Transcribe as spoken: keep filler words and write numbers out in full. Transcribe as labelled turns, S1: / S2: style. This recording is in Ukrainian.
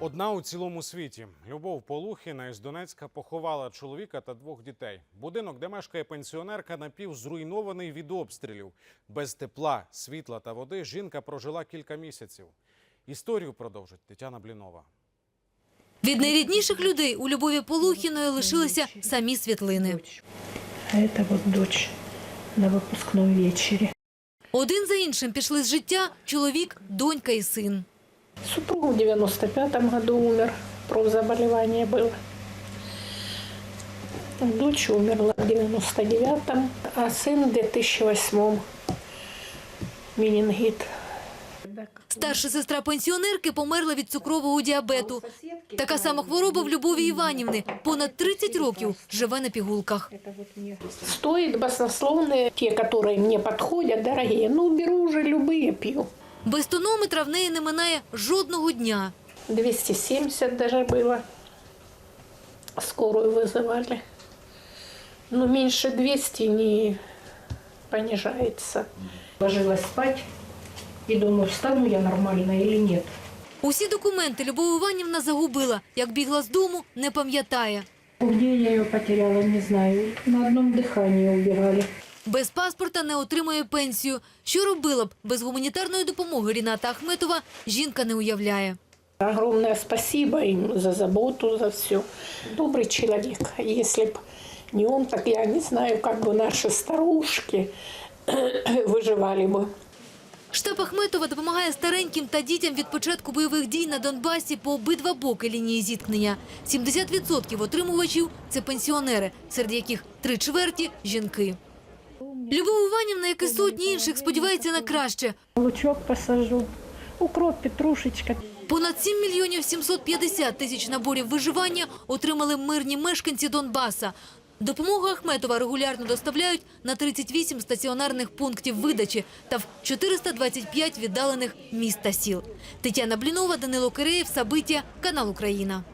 S1: Одна у цілому світі. Любов Полухіна із Донецька поховала чоловіка та двох дітей. Будинок, де мешкає пенсіонерка, напівзруйнований від обстрілів. Без тепла, світла та води жінка прожила кілька місяців. Історію продовжить Тетяна Блінова.
S2: Від найрідніших людей у Любові Полухіної лишилися самі світлини.
S3: А це от дочь на випускному вечорі.
S2: Один за іншим пішли з життя чоловік, донька і син.
S3: Супруг в девяносто пятом году умер, профзаболевание было. Дочь умерла в девяносто девятом, а сын в две тысячи восьмом. Менингит.
S2: Старша сестра пенсіонерки померла від цукрового діабету. Така сама хвороба в Любові Іванівни. Понад тридцять років живе на пігулках.
S3: Стоит баснословные, те, которые мне подходят, дорогие. Ну, беру уже любые, пью.
S2: Без тонометра в неї не минає жодного дня.
S3: двести семьдесят даже было. Скорую вызывали. Но меньше двухсот не понижается. Ложилась спать и думаю, встану я нормально или нет.
S2: Усі документи Любов Іванівна загубила. Як бігла з дому, не пам'ятає.
S3: Где я ее потеряла, не знаю. На одном дыхании убирали.
S2: Без паспорта не отримує пенсію. Що робила б без гуманітарної допомоги Ріната Ахметова, жінка не уявляє.
S3: Огромное спасибо им за заботу, за все. Добрый человек. Если б не он, так я не знаю, как бы наши старушки выживали бы.
S2: Штаб Ахметова допомагає стареньким та дітям від початку бойових дій на Донбасі по обидва боки лінії зіткнення. сімдесят відсотків отримувачів – це пенсіонери, серед яких три чверті – жінки. Любов Іванівна, як і сотні інших, сподівається на краще.
S3: Лучок посажу, укроп, петрушечка.
S2: Понад сім мільйонів сімсот п'ятдесят тисяч наборів виживання отримали мирні мешканці Донбаса. Допомогу Ахметова регулярно доставляють на тридцять вісім стаціонарних пунктів видачі та в чотириста двадцять п'ять віддалених міст та сіл. Тетяна Блінова, Данило Киреєв, Сабиття, канал Україна.